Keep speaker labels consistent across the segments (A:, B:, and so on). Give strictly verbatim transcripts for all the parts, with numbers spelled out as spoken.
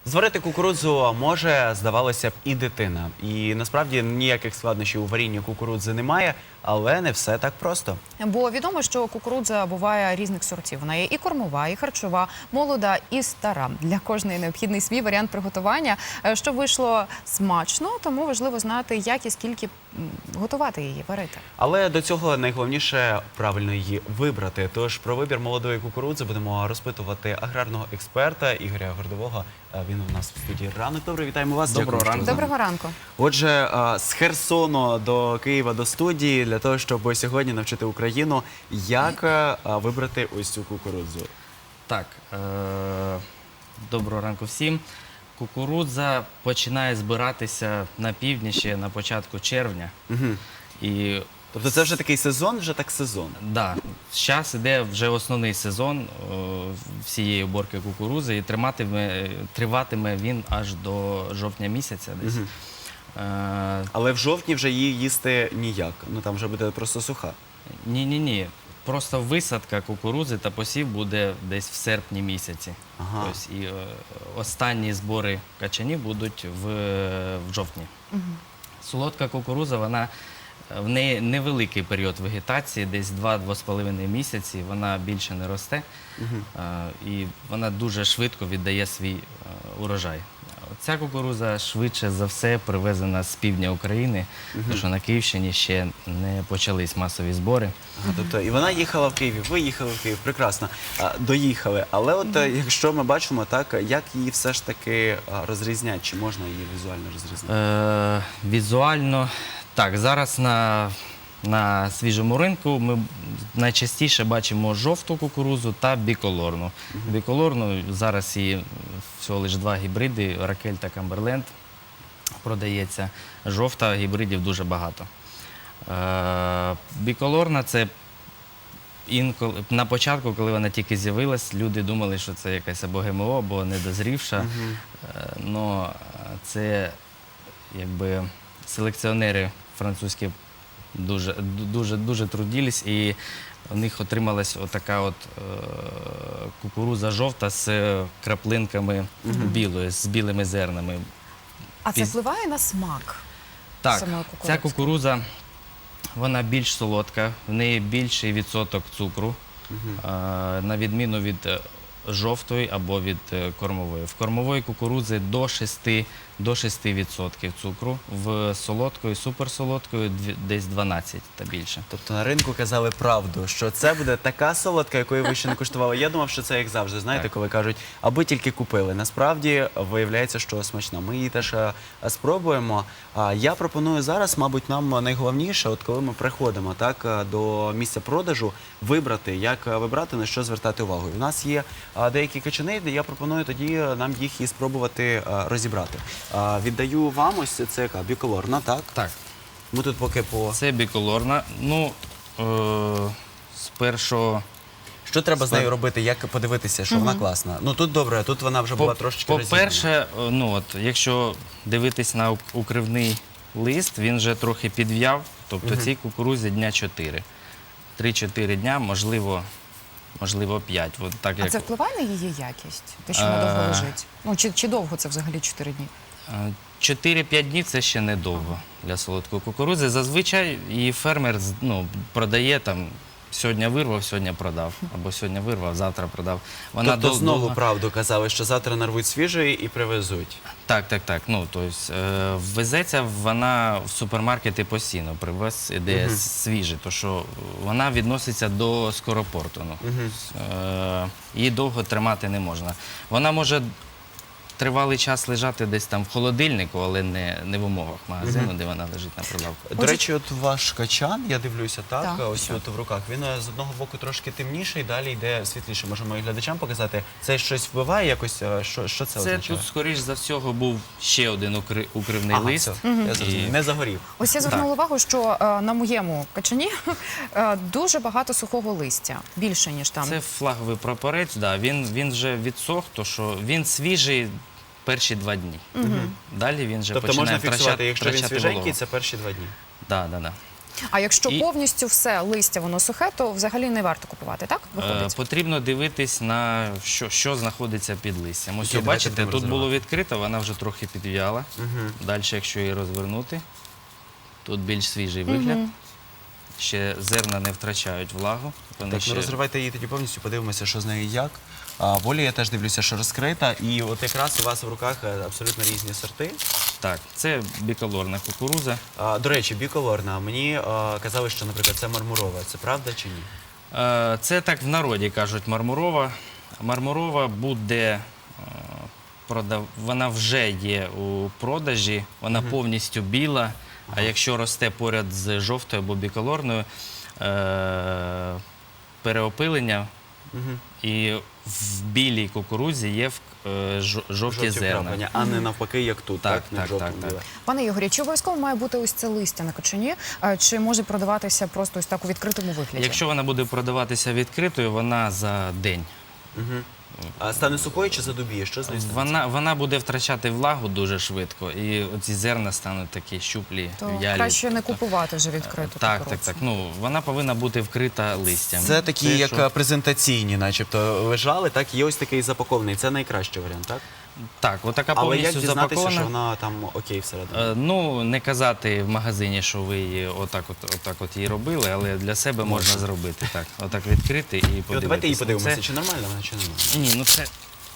A: Зварити кукурудзу може, здавалося б, і дитина. І насправді ніяких складнощів у варінні кукурудзи немає, але не все так просто.
B: Бо відомо, що кукурудза буває різних сортів. Вона є і кормова, і харчова, молода, і стара. Для кожної необхідний свій варіант приготування. Щоб вийшло смачно, тому важливо знати, як і скільки готувати її, варити.
A: Але до цього найголовніше правильно її вибрати. Тож про вибір молодої кукурудзи будемо розпитувати аграрного експерта Ігоря Гордового. Він у нас в студії. Ранок добре, вітаємо вас.
C: Доброго ранку.
B: Доброго ранку.
A: Отже, з Херсону до Києва, до студії, для того, щоб сьогодні навчити Україну, як вибрати ось цю кукурудзу.
C: Так, е доброго ранку всім. Кукурудза починає збиратися на півдні ще на початку червня.
A: Угу.
C: І
A: Тобто це вже такий сезон, вже так сезон?
C: да, зараз іде вже основний сезон о, всієї уборки кукурудзи, і триматиме, триватиме він аж до жовтня місяця десь.
A: Угу.
C: Е
A: Але в жовтні вже її їсти ніяк, ну там вже буде просто суха.
C: Ні-ні-ні. Просто висадка кукурудзи та посів буде десь в серпні місяці.
A: Ага.
C: Ось, і е, останні збори качанів будуть в, в жовтні.
B: Угу.
C: Солодка кукурудза, вона, в неї невеликий період вегетації, десь два-два з половиною місяці, вона більше не росте.
A: Угу.
C: Е, і вона дуже швидко віддає свій е, урожай. Ця кукурудза швидше за все привезена з півдня України,
A: Угу.
C: тому що на Київщині ще не почались масові збори.
A: Ага, тобто і вона їхала в Київ, ви їхали в Київ, прекрасно, а, доїхали. Але от mm-hmm. якщо ми бачимо, так, як її все ж таки розрізняти, чи можна її візуально розрізняти?
C: Е, візуально, так, зараз на, на свіжому ринку ми найчастіше бачимо жовту кукурудзу та біколорну. Mm-hmm. Біколорну зараз і всього лише два гібриди, Ракель та Камберленд, продається. Жовта гібридів дуже багато. Е, біколорна – це інколи, на початку, коли вона тільки з'явилась, люди думали, що це якась або ГМО, або недозрівша.
A: Угу.
C: Е, но це якби селекціонери французькі дуже, дуже, дуже трудились, і у них отрималась отака от е, кукурудза жовта з краплинками
A: Угу.
C: білої, з білими зернами.
B: А це
C: Піз-
B: впливає на смак?
C: Так,
B: самої
C: ця
B: кукурудзи?
C: кукурудза, вона більш солодка, в неї більший відсоток цукру,
A: Угу.
C: е, на відміну від е, жовтої або від е, кормової. В кормової кукурудзи до шести, до шести відсотків цукру, в солодкої, суперсолодкої дві- десь дванадцять та більше.
A: Тобто на ринку казали правду, що це буде така солодка, якої ви ще не куштували. Я думав, що це як завжди, знаєте,
C: Так.
A: коли кажуть, аби тільки купили. Насправді виявляється, що смачна. Ми її теж е, спробуємо. А я пропоную зараз, мабуть, нам найголовніше, от коли ми приходимо так, е, до місця продажу, вибрати, як е, вибрати, на що звертати увагу. У нас є е, деякі качани, де я пропоную тоді е, нам їх і спробувати е, розібрати. Е, Віддаю вам ось це яка біколорна, так?
C: Так,
A: Ми тут поки по...
C: це біколорна. Ну, е, спершу...
A: Що треба з нею робити, як подивитися, що вона класна? Ну тут добре, тут вона вже була трошечки розібрана.
C: По-перше, ну, от, якщо дивитись на ук- укривний лист, він вже трохи підв'яв, тобто цій кукурудзі дня чотири. три-чотири дня, можливо, можливо п'ять. От так,
B: А
C: як...
B: це впливає на її якість? Те, що вона довго
C: Е.
B: лежить? Ну, чи, чи довго це взагалі чотири дні?
C: Е, чотири-п'ять днів – це ще недовго для солодкої кукурудзи. Зазвичай її фермер з- ну, продає там, сьогодні вирвав, сьогодні продав. Або сьогодні вирвав, завтра продав. Вона
A: Тобто
C: дов-
A: знову
C: довго-
A: правду казали, що завтра нарвуть свіжої і привезуть.
C: Так, так, так. Ну, тобто, е, ввезеться вона в супермаркети постійно, привез іде
A: Мгм.
C: свіжий, тому що вона відноситься до скоропорту. Ну.
A: Мгм.
C: Е, її довго тримати не можна. Вона може тривалий час лежати десь там в холодильнику, але не, не в умовах магазину,
A: Мгм.
C: де вона лежить на прилавку.
A: До речі, от ваш качан, я дивлюся, так,
B: Так.
A: ось от в руках, він е, з одного боку трошки темніший, далі йде світліше. Можемо і глядачам показати. Це щось впливає якось? Е, Що, що це,
C: Це
A: означає?
C: тут, скоріш за всього, був ще один укри- укривний
A: Ага,
C: лист.
A: все, я зрозумів.
C: І-
A: Не загорів.
B: Ось я звернула увагу, що е, на моєму качані е, дуже багато сухого листя, більше, ніж там.
C: Це флаговий прапорець, да, він, він вже відсох, то що він свіжий перші два дні. Далі він вже
A: Тобто
C: починає
A: можна фіксувати,
C: втрачати,
A: якщо він
C: втрачати
A: свіженький,
C: вологу.
A: це перші два дні.
C: Да, да, да.
B: А якщо
C: І-
B: повністю все листя воно сухе, то взагалі не варто купувати, так?
C: Е,
B: Виходить?
C: Потрібно дивитись на що, що знаходиться під листям. Ось,
A: Окей,
C: ви
A: давайте
C: бачите,
A: будемо
C: тут було
A: розривати.
C: відкрито, вона вже трохи підв'яла. Далі, якщо її розвернути, тут більш свіжий вигляд. Ще зерна не втрачають влагу. Вони
A: Так,
C: ще...
A: ну розривайте її тоді повністю, подивимося, що з нею як. А, волі я теж дивлюся, що розкрита. І от якраз у вас в руках е, абсолютно різні сорти.
C: Так, це біколорна кукурудза.
A: А, до речі, біколорна. Мені е, казали, що, наприклад, це мармурова. Це правда чи ні?
C: Е, Це так в народі кажуть мармурова. Мармурова буде, е, продав... вона вже є у продажі, вона повністю біла, а якщо росте поряд з жовтою або біколорною, е, переопилення і в білій кукурудзі є в- е, жо- жовті зерна.
A: вкраплення, а не навпаки, як тут, так?
C: Так,
A: не
C: так,
A: жовтому
C: так, так.
A: біле.
B: Пане Ігорі, чи обов'язково має бути ось це листя на качані, е, чи може продаватися просто ось так у відкритому вигляді?
C: Якщо вона буде продаватися відкритою, вона за день.
A: А стане сухою чи задубіє? Що з нею станеться?
C: Вона, вона буде втрачати влагу дуже швидко, і оці зерна стануть такі щуплі,
B: То
C: в'ялі.
B: краще не купувати вже відкриту
C: Так, так,
B: кукурудзу.
C: так. Ну, вона повинна бути вкрита листям.
A: Це такі,
C: Це,
A: як
C: що-
A: е, презентаційні, начебто, лежали, так? Є ось такий запакований. Це найкращий варіант, так?
C: Так, отака
A: Але як
C: повністю
A: дізнатися,
C: запакована.
A: що вона там окей всередині?
C: Е, Ну, не казати в магазині, що ви її отак от, отак от її робили, але для себе можна зробити. Так, отак відкрити і
A: І от
C: подивитися.
A: давайте її
C: Ну,
A: подивимося,
C: це-
A: чи нормально вона, чи не нормально.
C: Ні, ну це,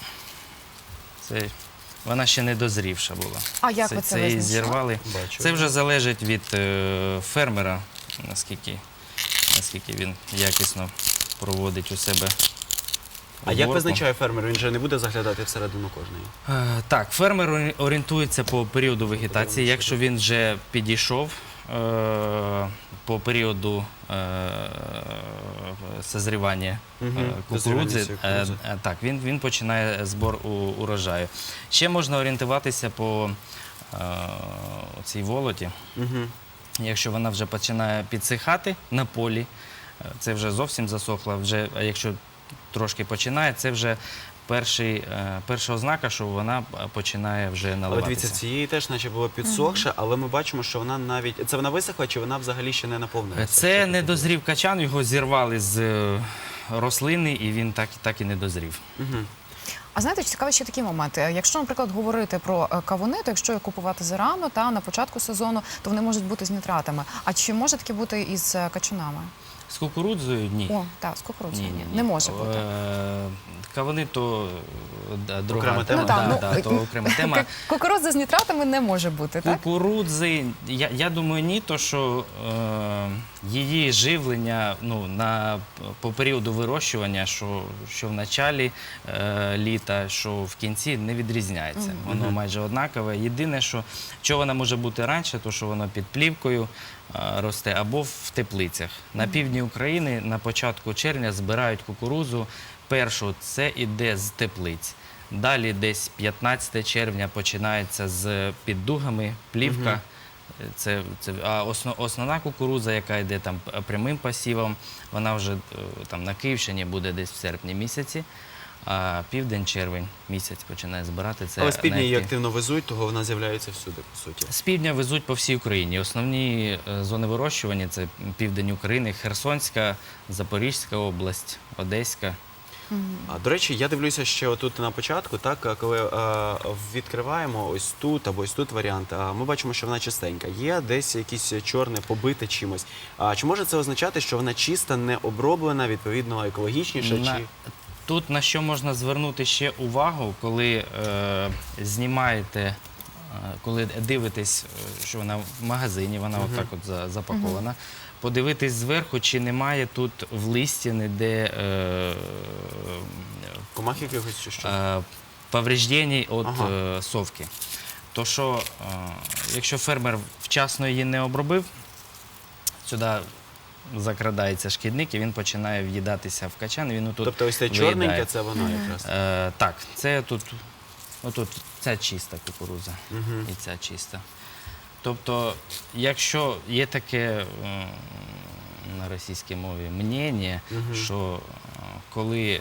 C: це вона ще не дозрівша була.
B: А як ви це
C: її
B: визначили?
C: зірвали.
A: Бачу.
C: Це вже залежить від е, фермера, наскільки, наскільки він якісно проводить у себе.
A: А як
C: уборку.
A: визначає фермер? Він же не буде заглядати всередину кожної.
C: Е, Так, фермер орі- орієнтується по періоду вегетації. Якщо він вже підійшов е, по періоду е, созрівання е,
A: Мгм,
C: кукурудзи,
A: дозрівання цієї
C: е,
A: кукурудзи.
C: е, так, він, він починає збор у- урожаю. Ще можна орієнтуватися по е, цій волоті.
A: Угу.
C: Якщо вона вже починає підсихати на полі, е, це вже зовсім засохла. Вже, а якщо трошки починає, це вже перший, е, перша ознака, що вона е, починає вже
A: Але
C: наливатися.
A: дивіться, цієї теж наче було підсохше, але ми бачимо, що вона навіть... Це вона висохла, чи вона взагалі ще не наповнилася?
C: Це не дозрів качан, його зірвали з е, рослини, і він так, так і не дозрів.
A: Угу.
B: А знаєте, цікавий ще такий момент. Е, Якщо, наприклад, говорити про е, кавуни, то якщо їх купувати зарано та на початку сезону, то вони можуть бути з нітратами. А чи може таке бути із е, качанами?
C: З кукурудзою ні.
B: О, так, з кукурудзою ні, не може бути.
C: Е, Кавуни то е, друга
A: Окрема тема.
B: Ну, так,
C: да,
B: ну,
C: да, то окрема тема.
B: Ку- Кукурудза з нітратами не може бути, так?
C: Кукурудзи, я, я думаю, ні, то що е, її живлення ну, на, по періоду вирощування, що, що в началі е, літа, що в кінці, не відрізняється. Воно майже однакове. Єдине, що, що вона може бути раніше, то що воно під плівкою е, росте або в теплицях. На півдні України на початку червня збирають кукурудзу. Першу це іде з теплиць. Далі десь п'ятнадцяте червня починається з піддугами, плівка. Це, це, а основ, основна кукурудза, яка йде там прямим посівом, вона вже е, там на Київщині буде десь в серпні місяці, а південь-червень місяць починає збирати. Це
A: Але з півдня її
C: найактив-
A: активно везуть, того вона з'являється всюди, по суті.
C: З півдня везуть по всій Україні. Основні е, зони вирощування – це південь України, Херсонська, Запорізька область, Одеська.
A: А, до речі, я дивлюся ще отут на початку, так, а коли е, відкриваємо ось тут або ось тут варіант, а, ми бачимо, що вона чистенька. Є десь якісь чорне, побите чимось. А, чи може це означати, що вона чиста, не оброблена, відповідно екологічніша?
C: На-
A: Чи...
C: Тут на що можна звернути ще увагу, коли е, знімаєте, е, коли дивитесь, е, що вона в магазині, вона отак от за- запакована, подивитись зверху, чи немає тут в листі ніде е,
A: Комах якихось чи що?
C: е, повреждень від
A: Ага.
C: е, совки. То що, е, якщо фермер вчасно її не обробив, сюди закрадається шкідник і він починає в'їдатися в качан, і він отут
A: Тобто ось це
C: виїдає.
A: чорненьке, це вона якраз.
C: Е, так, це тут, отут, ця чиста кукурудза і ця чиста. Тобто, якщо є таке м, на російській мові мнення, що е, коли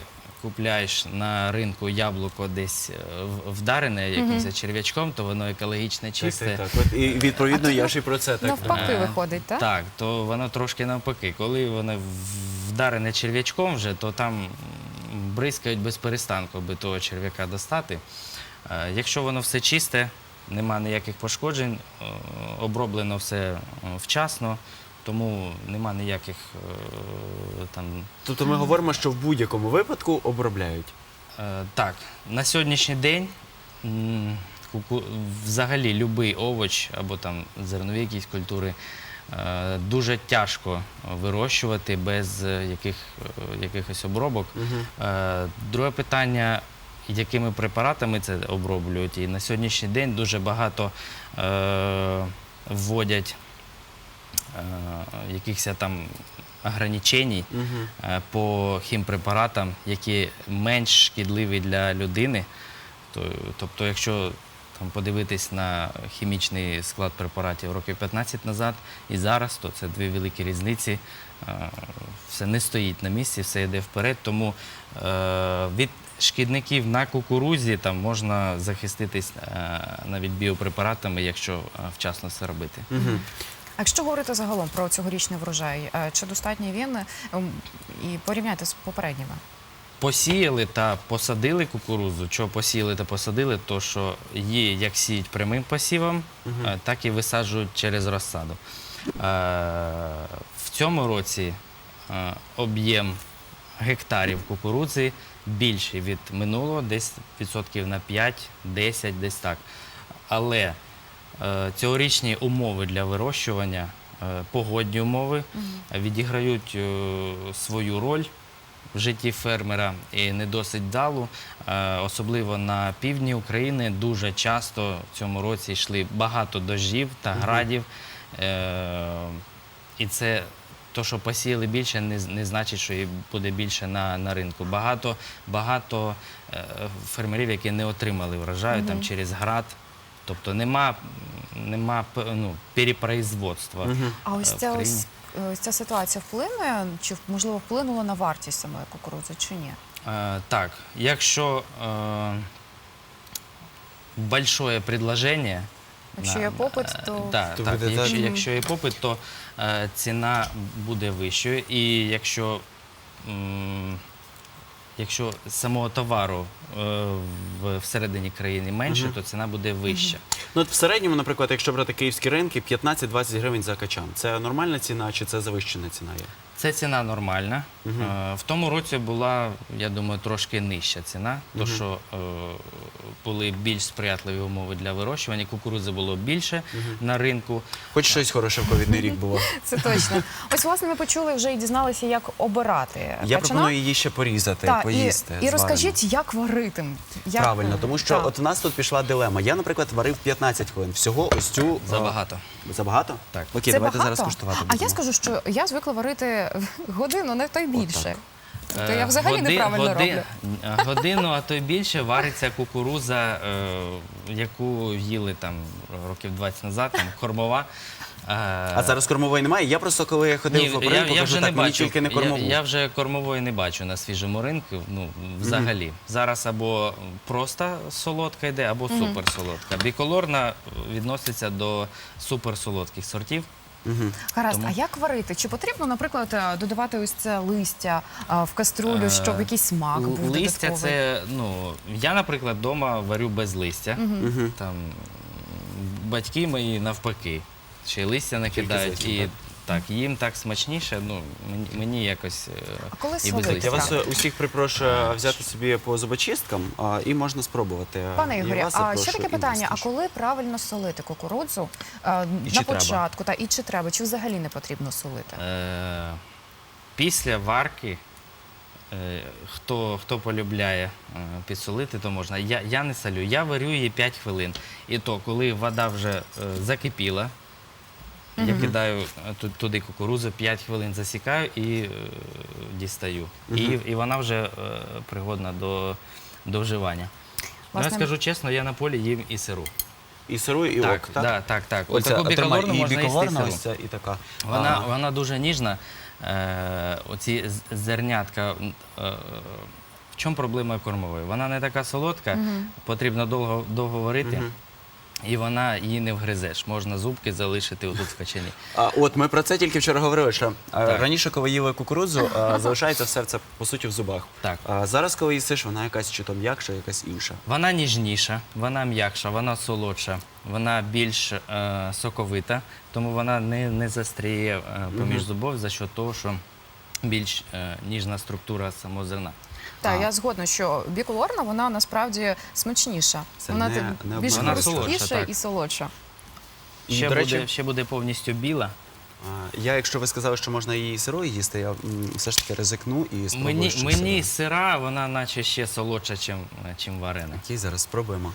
C: купляєш на ринку яблуко десь е, в- вдарене якимось черв'ячком, то воно екологічне, чисте.
A: Так, так, так. От, і відповідно я ж і про це так.
B: Навпаки
C: Е,
B: виходить, так?
C: Так, то воно трошки навпаки. Коли воно в- вдарене черв'ячком вже, то там м, бризкають без перестанку, аби того черв'яка достати. Е, Якщо воно все чисте, нема ніяких пошкоджень, е, оброблено все е, вчасно, тому нема ніяких е, там.
A: Тобто ми говоримо, що в будь-якому випадку обробляють.
C: Е, Так, на сьогоднішній день м, куку- взагалі будь-який овоч або там зернові якісь культури е, дуже тяжко вирощувати без е, яких, е, якихось обробок. Е, Друге питання, якими препаратами це оброблюють. І на сьогоднішній день дуже багато е, вводять е, якихось там ограничень е, по хімпрепаратам, які менш шкідливі для людини. То- Тобто, якщо там подивитись на хімічний склад препаратів років п'ятнадцять назад і зараз, то це дві великі різниці. Е, Все не стоїть на місці, все йде вперед. Тому е, від шкідників на кукурузі там можна захиститись е, навіть біопрепаратами, якщо е, вчасно це робити.
B: А якщо говорити загалом про цьогорічний врожай, е, чи достатній він ем, і порівняти з попередніми?
C: Посіяли та посадили кукурудзу. Чого посіяли та посадили, то що її як сіють прямим посівом, е, так і висаджують через розсаду. Е, В цьому році е, об'єм гектарів кукурудзи більший від минулого, десь відсотків на п'ять-десять, десь так. Але е, цьогорічні умови для вирощування, е, погодні умови відіграють е, свою роль в житті фермера і не досить вдалу. Е, Особливо на півдні України дуже часто в цьому році йшли багато дощів та градів. Е, І це то, що посіяли більше, не, не значить, що і буде більше на, на ринку. Багато, багато е, фермерів, які не отримали врожаю там, через град. Тобто нема, нема п- ну, перепроизводства.
B: А ось
C: е, в
B: ця
C: країні.
B: ось, ось ця ситуація вплине, чи можливо вплинула на вартість самої кукурудзи, чи ні?
C: Е, Так, якщо е, большое предложение,
B: Якщо
C: на-
B: є попит,
C: е,
B: то-
C: да,
A: То
C: так,
A: буде
C: якщо,
A: так.
C: якщо є попит, то е, ціна буде вищою. І якщо, м, якщо самого товару е, в, всередині країни менше, то ціна буде вища.
A: Ну, от в середньому, наприклад, якщо брати київські ринки, п'ятнадцять-двадцять гривень за качан. Це нормальна ціна чи це завищена ціна є?
C: Це ціна нормальна. Е, В тому році була, я думаю, трошки нижча ціна, тому що е, були більш сприятливі умови для вирощування. Кукурудзи було більше на ринку.
A: Хоч щось хороше в ковідний рік було.
B: Це точно. Ось, власне, ми почули вже і дізналися, як обирати
A: Я
B: качана.
A: пропоную її ще порізати,
B: Та,
A: поїсти.
B: і, і
A: зварено.
B: розкажіть, як варити. Як...
A: Правильно, тому що
B: Так.
A: от у нас тут пішла дилема. Я, наприклад, варив п'ятнадцять хвилин. Всього ось цю... е,
C: Забагато.
A: Забагато?
C: Так.
A: Окей,
B: Це
A: давайте
B: багато?
A: зараз куштувати
B: А я
A: будемо.
B: скажу, що я звикла варити годину, не то й більше. То я
C: Е,
B: взагалі
C: годи-
B: неправильно
C: годи-
B: роблю.
C: е, Годину, а то й більше вариться кукурудза, е, яку їли там років двадцять назад, там кормова. Е,
A: А зараз кормової немає? Я просто, коли я ходив
C: Ні,
A: по
C: я,
A: ринку,
C: я
A: кажу,
C: вже
A: так,
C: не
A: мені
C: бачу.
A: тільки не кормову.
C: Я, я вже кормової не бачу на свіжому ринку, ну, взагалі. Зараз або просто солодка йде, або суперсолодка. Біколорна відноситься до суперсолодких сортів.
B: Гаразд,
C: Тому-
B: а як варити? Чи потрібно, наприклад, е, додавати ось це листя е, в каструлю,
C: Е,
B: щоб якийсь смак
C: Л-
B: був
C: Листя
B: додатковий?
C: це, ну, я, наприклад, вдома варю без листя. Там батьки мої навпаки. Ще й листя накидають.
A: зовсім,
C: І
A: так?
C: так, їм так смачніше, ну, мені, мені якось е,
B: А коли
C: і без
B: солити?
C: листя.
A: Я вас
B: Так.
A: е, усіх припрошую взяти собі по зубочисткам а, і можна спробувати.
B: Пане
A: І
B: Ігорі,
A: вас
B: а
A: запрошу,
B: ще таке
A: і
B: питання:
A: вас
B: а
A: теж.
B: коли правильно солити кукурудзу е,
C: І
B: на
C: чи треба?
B: початку, та і чи треба, чи взагалі не потрібно солити?
C: Е, Після варки, е, хто, хто полюбляє е, підсолити, то можна. Я, я не солю, я варю її п'ять хвилин. І то, коли вода вже е, закипіла, я кидаю е, ту- туди кукурудзу, п'ять хвилин засікаю і е, дістаю. І, і вона вже е, пригодна до, до вживання. Ну, я
B: Власне-
C: скажу чесно, я на полі їм і сиру.
A: І сиру, і
C: Так,
A: ок, так?
C: да, так, так.
A: Оця,
C: Отаку
A: а, тримай,
C: біколорну
A: і
C: можна їсти і
A: біколорна
C: сиру.
A: ось ця, і така.
C: Вона,
A: А,
C: вона дуже ніжна. Е, оці з- зернятка е, В чому проблема кормової? Вона не така солодка, потрібно довго, довго варити. І вона її не вгризеш. Можна зубки залишити отут в качані.
A: А, от ми про це тільки вчора говорили, що а,
C: Так.
A: раніше, коли їли кукурудзу, а, залишається все це по суті в зубах.
C: Так.
A: А зараз, коли їсиш, вона якась чи то м'якша, якась інша.
C: Вона ніжніша, вона м'якша, вона солодша, вона більш е, соковита, тому вона не, не застріє е, поміж зубов за що того, що більш е, ніжна структура самого зерна.
B: Так,
A: А.
B: я згодна, що біколорна, вона насправді смачніша.
A: Це
B: вона
A: не-
B: так
A: не
B: більш
A: обманно.
C: Вона солодша,
B: хрусткіша
C: так.
B: і солодша.
A: І,
C: Ще,
A: до
C: буде,
A: речі,
C: ще буде повністю біла.
A: а, я, якщо ви сказали, що можна її сирою їсти, я м, все ж таки ризикну і спробую.
C: Мені,
A: щось
C: мені
A: сире.
C: сира, вона наче ще солодша, чим, чим варена.
A: Окей, зараз спробуємо.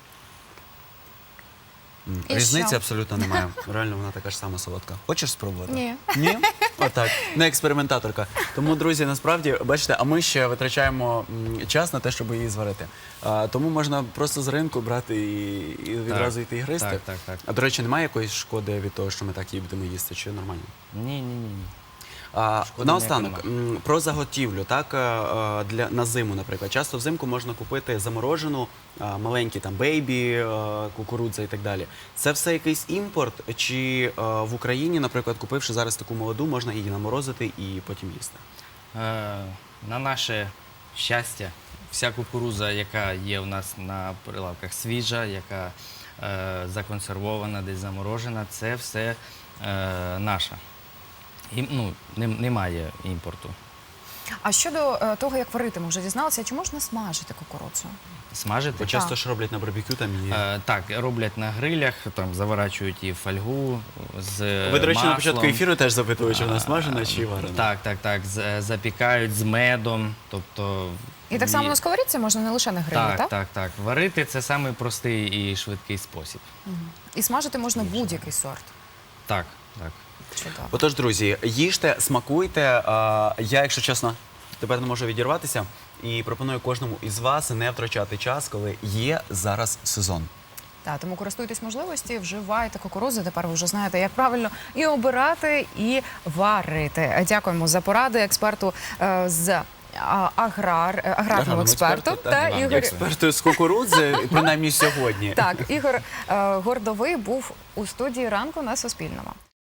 A: М,
B: І
A: Різниці
B: що?
A: абсолютно немає. Реально, вона така ж сама солодка. Хочеш спробувати?
B: Ні.
A: Ні? Отак. Не експериментаторка. Тому, друзі, насправді, бачите, а ми ще витрачаємо м, час на те, щоб її зварити. А, тому можна просто з ринку брати і, і відразу йти і гристи.
C: Так, так, так.
A: А до речі, немає якоїсь шкоди від того, що ми так її будемо їсти, чи нормально?
C: Ні, ні, ні. ні.
A: А,
C: Шкоди
A: наостанок,
C: ніякої
A: м, про заготівлю, так, а, а, для, на зиму, наприклад. Часто взимку можна купити заморожену, а, маленькі там бейбі, а, кукурудза і так далі. Це все якийсь імпорт, чи а, в Україні, наприклад, купивши зараз таку молоду, можна її наморозити і потім їсти?
C: Е, на наше щастя, вся кукуруза, яка є у нас на прилавках свіжа, яка е, законсервована, десь заморожена, це все е, наша. І, ну, нем- немає імпорту.
B: А щодо е, того, як варити, ми вже дізналися, чи можна смажити кукурудзу?
C: Смажити?
A: Бо часто ж роблять на барбекю там її.
C: Е, так, роблять на грилях, там заворачують її в фольгу з
A: Ви, до речі, на
C: маслом.
A: початку ефіру теж запитували, чи вона смажена, чи варена.
C: Так, так, так. з- Запікають з медом. Тобто,
B: І так само
C: ні-
B: на сковорідці можна не лише на грилі, так?
C: так, так, так. Варити це самий простий і швидкий спосіб.
B: І смажити можна будь-який сорт.
C: Так, так.
B: Чудово.
A: Отож, друзі, їжте, смакуйте. А, Я, якщо чесно, тепер не можу відірватися і пропоную кожному із вас не втрачати час, коли є зараз сезон.
B: Так, тому користуйтесь можливості, вживайте кукурудзу. Тепер ви вже знаєте, як правильно і обирати, і варити. Дякуємо за поради експерту е, з а, аграр, е, аграрному експерту та
C: вам
B: Ігор.
A: Експерту з кукурудзи, принаймні сьогодні.
B: Так, Ігор е, Гордовий був у студії ранку на Суспільному.